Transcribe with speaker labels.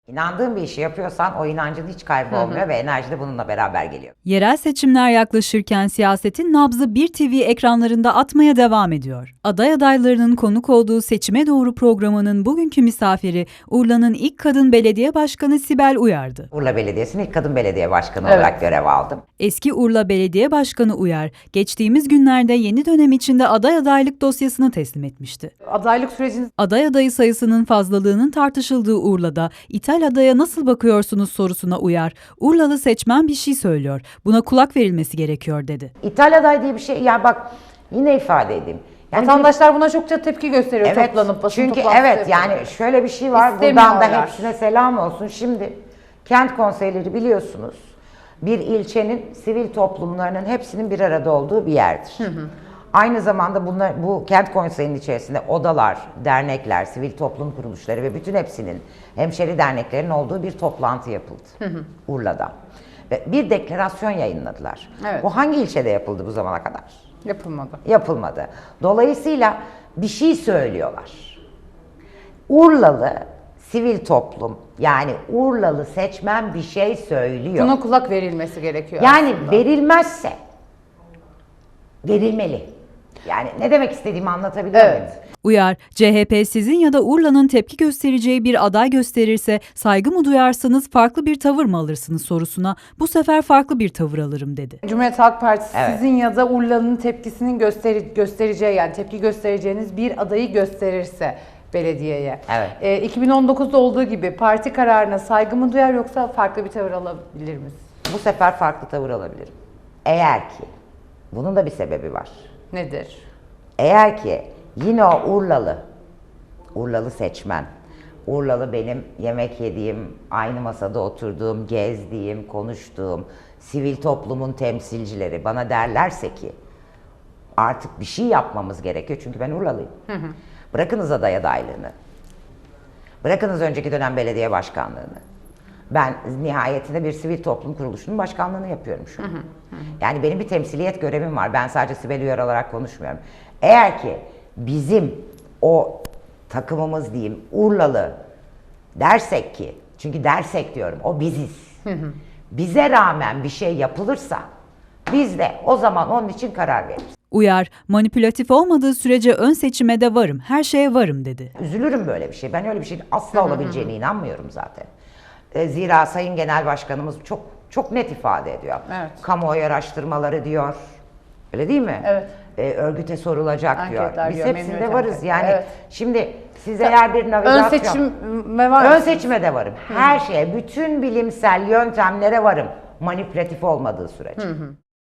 Speaker 1: İnandığın bir işi yapıyorsan o inancın hiç kaybolmuyor ve enerji de bununla beraber geliyor.
Speaker 2: Yerel seçimler yaklaşırken siyasetin nabzı bir TV ekranlarında atmaya devam ediyor. Aday adaylarının konuk olduğu Seçime Doğru programının bugünkü misafiri Urla'nın ilk kadın belediye başkanı Sibel Uyar'dı.
Speaker 1: Urla Belediyesi'nin ilk kadın belediye başkanı olarak görev aldım.
Speaker 2: Eski Urla Belediye Başkanı Uyar, geçtiğimiz günlerde yeni dönem içinde aday adaylık dosyasını teslim etmişti.
Speaker 3: Adaylık süreciniz
Speaker 2: Aday adayı sayısının fazlalığının tartışıldığı Urla'da İthal adaya nasıl bakıyorsunuz sorusuna Uyar, Urlalı seçmen bir şey söylüyor, buna kulak verilmesi gerekiyor dedi.
Speaker 1: İthal aday diye bir şey, yani bak yine ifade edeyim. Yani
Speaker 3: vatandaşlar buna çokça tepki gösteriyor, toplanıp basın
Speaker 1: çünkü
Speaker 3: toplantısı
Speaker 1: evet
Speaker 3: yapıyorlar.
Speaker 1: yani şöyle bir şey var, buradan da
Speaker 3: İstemiyorlar.
Speaker 1: hepsine selam olsun. Şimdi kent konseyleri biliyorsunuz bir ilçenin sivil toplumlarının hepsinin bir arada olduğu bir yerdir. Aynı zamanda bu kent konseyinin içerisinde odalar, dernekler, sivil toplum kuruluşları ve bütün hepsinin hemşeri derneklerin olduğu bir toplantı yapıldı Urla'da. Ve bir deklarasyon yayınladılar.
Speaker 3: Evet.
Speaker 1: Bu hangi ilçede yapıldı bu zamana kadar?
Speaker 3: Yapılmadı.
Speaker 1: Yapılmadı. Dolayısıyla bir şey söylüyorlar. Urlalı sivil toplum, yani Urlalı seçmen bir şey söylüyor.
Speaker 3: Buna kulak verilmesi gerekiyor
Speaker 1: Yani
Speaker 3: aslında.
Speaker 1: verilmezse verilmeli. Yani ne demek istediğimi anlatabiliyor muyum?
Speaker 2: Uyar, CHP sizin ya da Urla'nın tepki göstereceği bir aday gösterirse saygı mı duyarsınız, farklı bir tavır mı alırsınız sorusuna bu sefer farklı bir tavır alırım dedi.
Speaker 3: Cumhuriyet Halk Partisi
Speaker 1: Evet.
Speaker 3: sizin ya da Urla'nın tepkisinin göstereceği, yani tepki göstereceğiniz bir adayı gösterirse belediyeye.
Speaker 1: Evet.
Speaker 3: 2019'da olduğu gibi parti kararına saygı mı duyar yoksa farklı bir tavır alabilir miyiz?
Speaker 1: Bu sefer farklı tavır alabilirim. Eğer ki, bunun da bir sebebi var.
Speaker 3: Nedir?
Speaker 1: Eğer ki yine o Urlalı seçmen, Urlalı benim yemek yediğim, aynı masada oturduğum, gezdiğim, konuştuğum sivil toplumun temsilcileri bana derlerse ki artık bir şey yapmamız gerekiyor çünkü ben Urlalıyım. Bırakınız aday adaylığını, bırakınız önceki dönem belediye başkanlığını. Ben nihayetinde bir sivil toplum kuruluşunun başkanlığını yapıyorum şu an. Yani benim bir temsiliyet görevim var. Ben sadece Sibel Uyar olarak konuşmuyorum. Eğer ki bizim o takımımız diyeyim Urlalı dersek ki, çünkü dersek diyorum o biziz. Bize rağmen bir şey yapılırsa biz de o zaman onun için karar veririz.
Speaker 2: Uyar, manipülatif olmadığı sürece ön seçime de varım, her şeye varım dedi.
Speaker 1: Üzülürüm böyle bir şey. Ben öyle bir şeyin asla olabileceğine inanmıyorum zaten. Zira Sayın Genel Başkanımız çok net ifade ediyor.
Speaker 3: Evet.
Speaker 1: Kamuoyu araştırmaları diyor. Öyle değil mi?
Speaker 3: Evet.
Speaker 1: Örgüte sorulacak
Speaker 3: Anketler
Speaker 1: diyor. Biz
Speaker 3: diyor,
Speaker 1: hepsinde
Speaker 3: memnuniyet
Speaker 1: varız.
Speaker 3: anketi.
Speaker 1: Yani
Speaker 3: Evet.
Speaker 1: şimdi siz eğer bir
Speaker 3: Ön
Speaker 1: navigasyon...
Speaker 3: seçime var
Speaker 1: Ön
Speaker 3: mısınız?
Speaker 1: seçime de varım. Her şeye, bütün bilimsel yöntemlere varım. Manipülatif olmadığı sürece.